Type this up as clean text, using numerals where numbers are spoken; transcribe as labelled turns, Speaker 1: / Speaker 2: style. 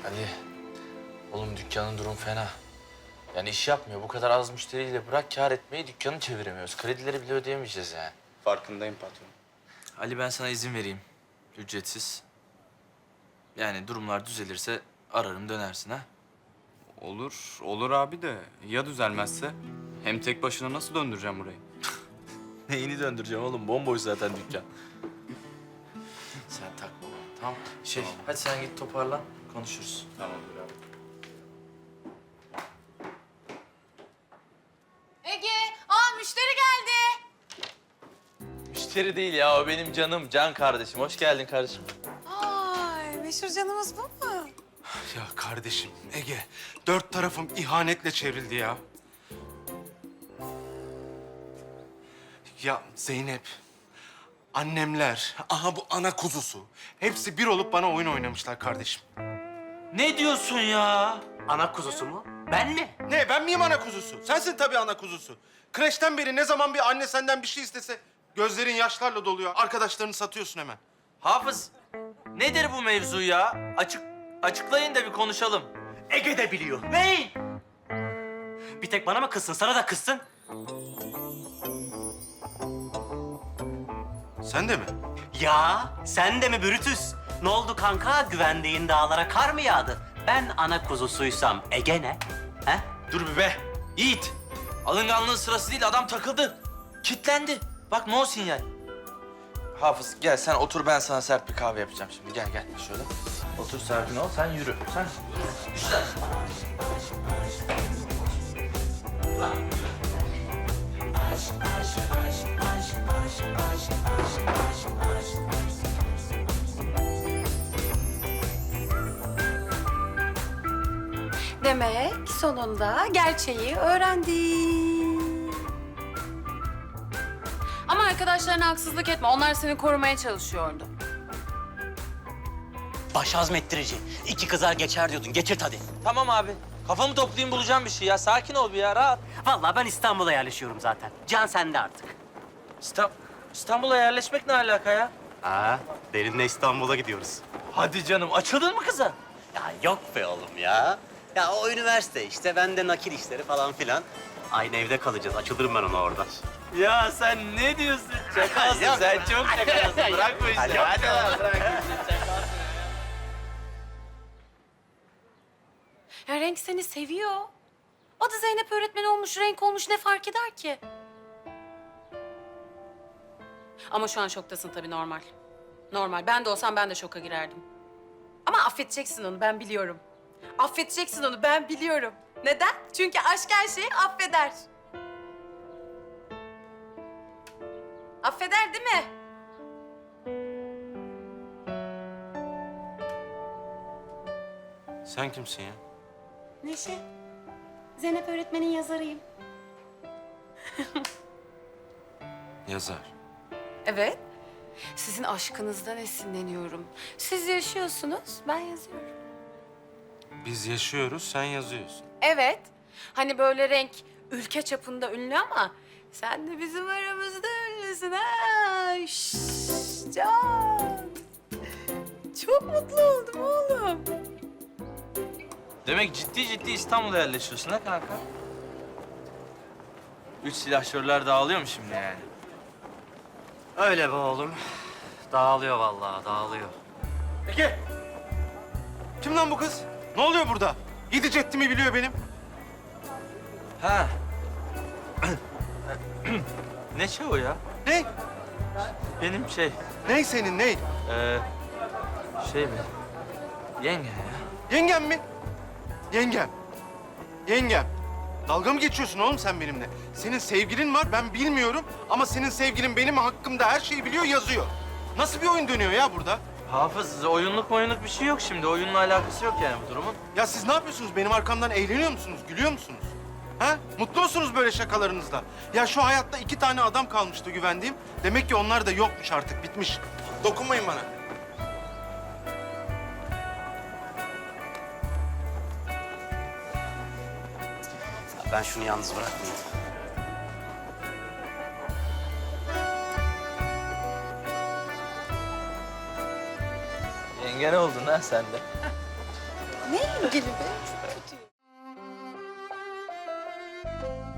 Speaker 1: Ali, oğlum dükkanın durum fena. Yani iş yapmıyor. Bu kadar az müşteriyle bırak kâr etmeyi dükkanı çeviremiyoruz. Kredileri bile ödeyemeyeceğiz yani.
Speaker 2: Farkındayım patron.
Speaker 1: Ali ben sana izin vereyim. Ücretsiz. Yani durumlar düzelirse ararım dönersin ha.
Speaker 2: Olur, olur abi de ya düzelmezse? Hem tek başına nasıl döndüreceğim burayı?
Speaker 1: Neyini döndüreceğim oğlum? Bomboş zaten dükkan. Sen takma bana, tamam. Hadi sen git toparlan. Konuşuruz.
Speaker 2: Tamamdır abi.
Speaker 3: Ege, müşteri geldi.
Speaker 1: Müşteri değil ya, o benim canım, Can kardeşim. Hoş geldin kardeşim.
Speaker 3: Ay, meşhur canımız bu mu?
Speaker 4: Ya kardeşim Ege, dört tarafım ihanetle çevrildi ya. Ya Zeynep, annemler, aha bu ana kuzusu. Hepsi bir olup bana oyun oynamışlar kardeşim.
Speaker 1: Ne diyorsun ya?
Speaker 5: Ana kuzusu mu? Ben mi?
Speaker 4: Ne, ben miyim ana kuzusu? Sensin tabii ana kuzusu. Kreşten beri ne zaman bir anne senden bir şey istese gözlerin yaşlarla doluyor. Arkadaşlarını satıyorsun hemen.
Speaker 1: Hafız, nedir bu mevzu ya? Açıklayın da bir konuşalım.
Speaker 5: Ege de biliyor. Ney? Bir tek bana mı kızsın? Sana da kızsın.
Speaker 4: Sen de mi?
Speaker 5: Ya sen de mi Brutus? Ne oldu kanka? Güvendiğin dağlara kar mı yağdı? Ben ana kuzusuysam Ege ne? He?
Speaker 1: Dur bir be. Yiğit. Alınganlığın sırası değil, adam takıldı. Kitlendi. Bak no sinyal. Hafız gel sen otur, ben sana sert bir kahve yapacağım şimdi. Gel şöyle. Otur, sakin ol, sen yürü. Sen güzel.
Speaker 3: Demek sonunda gerçeği öğrendin. Ama arkadaşlarına haksızlık etme. Onlar seni korumaya çalışıyordu.
Speaker 5: Baş azmettirici. İki kızar geçer diyordun. Geçirt hadi.
Speaker 1: Tamam abi. Kafamı toplayayım, bulacağım bir şey ya. Sakin ol bir ya, rahat.
Speaker 5: Vallahi ben İstanbul'a yerleşiyorum zaten. Can sende artık.
Speaker 1: İstanbul'a yerleşmek ne alaka ya?
Speaker 5: Derinle İstanbul'a gidiyoruz.
Speaker 1: Hadi canım, açıldın mı kıza?
Speaker 5: Ya yok be oğlum ya. Ya o üniversite işte, ben de nakil işleri falan filan. Aynı evde kalacağız. Açılırım ben ona orada.
Speaker 1: Ya sen ne diyorsun? Çakalsın
Speaker 5: Yok.
Speaker 1: sen, çok çakalsın. Bırak bu işi.
Speaker 5: Yok.
Speaker 1: Hadi lan, bırak bu işi.
Speaker 3: Ya Renk seni seviyor. O da Zeynep öğretmen olmuş, Renk olmuş, ne fark eder ki? Ama şu an şoktasın tabii, normal. Normal. Ben de olsam ben de şoka girerdim. Ama affedeceksin onu, ben biliyorum. Affedeceksin onu, ben biliyorum. Neden? Çünkü aşk her şeyi affeder. Affeder değil mi?
Speaker 4: Sen kimsin ya?
Speaker 3: Neşe. Zeynep öğretmenin yazarıyım.
Speaker 4: Yazar.
Speaker 3: Evet. Sizin aşkınızdan esinleniyorum. Siz yaşıyorsunuz, ben yazıyorum.
Speaker 4: Biz yaşıyoruz, sen yazıyorsun.
Speaker 3: Evet. Hani böyle Renk ülke çapında ünlü ama sen de bizim aramızda ünlüsün ha. Şşş, Can. Çok mutlu oldum oğlum.
Speaker 1: Demek ciddi İstanbul'a yerleşiyorsun ha kanka? Üç silahşörler dağılıyor mu şimdi yani?
Speaker 5: Öyle be oğlum. Dağılıyor vallahi, dağılıyor.
Speaker 4: Ege! Kim lan bu kız? Ne oluyor burada? Yedi ceddimi biliyor benim.
Speaker 1: Ha. Ne şey o ya?
Speaker 4: Ne?
Speaker 1: Benim şey,
Speaker 4: Ney senin, ney?
Speaker 1: şey mi? Yenge ya.
Speaker 4: Yengem mi? Yengem. Yengem. Dalga mı geçiyorsun oğlum sen benimle? Senin sevgilin var, ben bilmiyorum. Ama senin sevgilin benim hakkımda her şeyi biliyor, yazıyor. Nasıl bir oyun dönüyor ya burada?
Speaker 1: Hafız, oyunluk bir şey yok şimdi. Oyunla alakası yok yani bu durumun.
Speaker 4: Ya siz ne yapıyorsunuz? Benim arkamdan eğleniyor musunuz, gülüyor musunuz? Ha? Mutlu musunuz böyle şakalarınızla? Ya şu hayatta 2 tane adam kalmıştı güvendiğim. Demek ki onlar da yokmuş artık, bitmiş. Dokunmayın bana.
Speaker 5: Ben şunu yalnız bırakmayayım.
Speaker 1: Yenge ne oldun ha sen de?
Speaker 3: Ne ilgili be? Çok kötü.